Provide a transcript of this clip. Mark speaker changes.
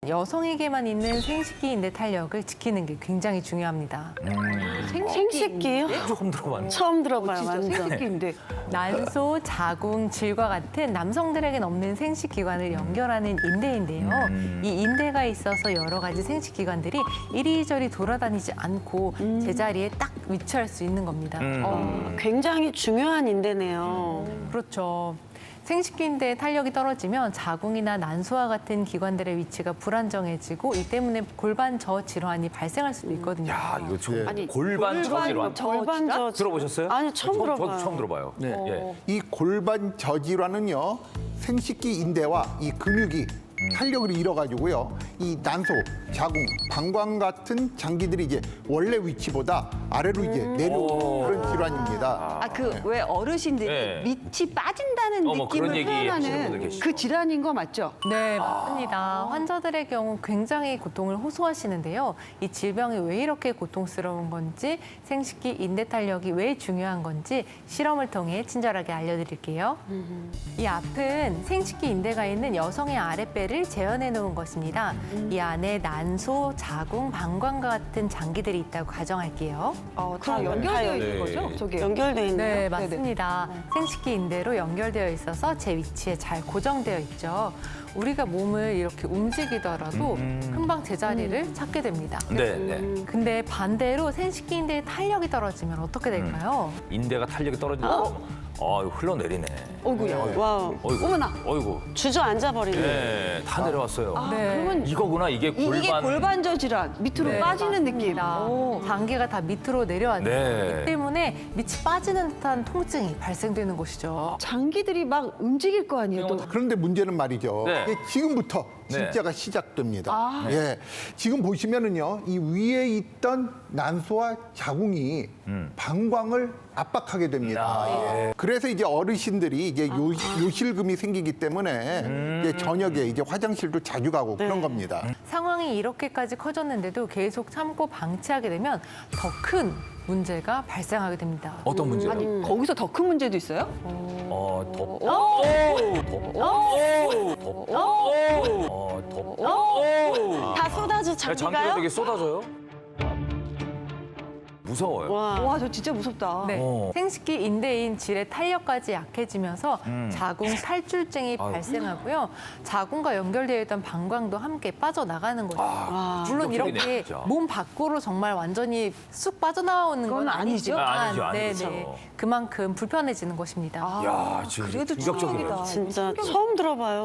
Speaker 1: 여성에게만 있는 생식기 인대 탄력을 지키는 게 굉장히 중요합니다.
Speaker 2: 생식기요?
Speaker 3: 처음 들어봤네.
Speaker 2: 처음 들어봐요, 완전.
Speaker 4: 생식기인데.
Speaker 1: 난소, 자궁, 질과 같은 남성들에겐 없는 생식기관을 연결하는 인대인데요. 이 인대가 있어서 여러 가지 생식기관들이 이리저리 돌아다니지 않고 제자리에 딱 위치할 수 있는 겁니다.
Speaker 2: 굉장히 중요한 인대네요.
Speaker 1: 그렇죠. 생식기 인대의 탄력이 떨어지면 자궁이나 난소와 같은 기관들의 위치가 불안정해지고 이 때문에 골반 저 질환이 발생할 수도 있거든요.
Speaker 3: 야, 이거 좀
Speaker 4: 아니,
Speaker 3: 골반 저질환
Speaker 2: 골반 저
Speaker 3: 들어보셨어요?
Speaker 2: 아니, 처음 들어봐요.
Speaker 3: 저도 처음 들어봐요.
Speaker 5: 네.
Speaker 3: 예.
Speaker 5: 이 골반 저질환은요, 생식기 인대와 이 근육이 탄력을 잃어가지고요, 이 난소, 자궁, 방광 같은 장기들이 이제 원래 위치보다 아래로 이제 내려오는 그런 질환입니다.
Speaker 4: 아, 그 왜 어르신들이
Speaker 3: 네.
Speaker 4: 밑이 빠진다는
Speaker 3: 뭐 그런
Speaker 4: 느낌을
Speaker 3: 얘기 하시는 분들
Speaker 4: 표현하는
Speaker 3: 계시죠.
Speaker 4: 그 질환인 거 맞죠?
Speaker 1: 네, 맞습니다. 환자들의 경우 굉장히 고통을 호소하시는데요. 이 질병이 왜 이렇게 고통스러운 건지, 생식기 인대 탄력이 왜 중요한 건지 실험을 통해 친절하게 알려드릴게요. 이 앞은 생식기 인대가 있는 여성의 아랫배를 재현해 놓은 것입니다. 이 안에 난소, 자궁, 방광과 같은 장기들이 있다고 가정할게요.
Speaker 4: 다 연결되어
Speaker 3: 네.
Speaker 4: 있는 거죠? 저게.
Speaker 2: 연결돼 있네요.
Speaker 1: 네, 맞습니다. 생식기 인대로 연결되어 있어서 제 위치에 잘 고정되어 있죠. 우리가 몸을 이렇게 움직이더라도 금방 제자리를 찾게 됩니다.
Speaker 3: 네, 네.
Speaker 1: 근데 반대로 생식기 인대의 탄력이 떨어지면 어떻게 될까요?
Speaker 3: 인대가 탄력이 떨어지고 흘러내리네.
Speaker 4: 어이구야.
Speaker 2: 와우.
Speaker 3: 어이구.
Speaker 4: 어머나.
Speaker 3: 어이구.
Speaker 2: 주저앉아 버리네.
Speaker 3: 네, 다 내려왔어요.
Speaker 1: 네.
Speaker 4: 그러면
Speaker 3: 이거구나, 이게 골반.
Speaker 4: 이게 골반저 질환 밑으로
Speaker 1: 네,
Speaker 4: 빠지는 느낌.
Speaker 1: 맞습니다. 장기가 다 밑으로 내려왔죠.
Speaker 3: 네.
Speaker 1: 이 때문에 밑이 빠지는 듯한 통증이 발생되는 것이죠.
Speaker 4: 장기들이 막 움직일 거 아니에요. 또.
Speaker 5: 그런데 문제는 말이죠.
Speaker 3: 네.
Speaker 5: 이게 지금부터
Speaker 3: 네.
Speaker 5: 진짜가 시작됩니다. 예, 지금 보시면은요, 이 위에 있던 난소와 자궁이 방광을 압박하게 됩니다. 예. 그래서 이제 어르신들이 이제 요실금이 생기기 때문에 이제 저녁에 이제 화장실도 자주 가고 그런 겁니다.
Speaker 1: 상황이 이렇게까지 커졌는데도 계속 참고 방치하게 되면 더 큰 문제가 발생하게 됩니다.
Speaker 3: 어떤 문제요?
Speaker 4: 아니, 거기서 더 큰 문제도 있어요?
Speaker 2: 다 쏟아져,
Speaker 3: 장기가
Speaker 2: 장기가요?
Speaker 3: 되게 쏟아져요? 무서워요.
Speaker 4: 와, 저 진짜 무섭다.
Speaker 1: 네. 생식기 인대인 질의 탄력까지 약해지면서 자궁 탈출증이
Speaker 3: 아유.
Speaker 1: 발생하고요. 자궁과 연결되어 있던 방광도 함께 빠져나가는 거죠. 물론
Speaker 3: 충격적이네,
Speaker 1: 이렇게
Speaker 3: 진짜.
Speaker 1: 몸 밖으로 정말 완전히 쑥 빠져나오는 건
Speaker 4: 그건 아니죠?
Speaker 1: 아니지만
Speaker 3: 아니죠, 아니죠.
Speaker 1: 네네. 그만큼 불편해지는 것입니다.
Speaker 3: 야, 지금
Speaker 4: 그래도
Speaker 3: 충격적이네요.
Speaker 4: 충격이다.
Speaker 2: 진짜 처음 들어봐요.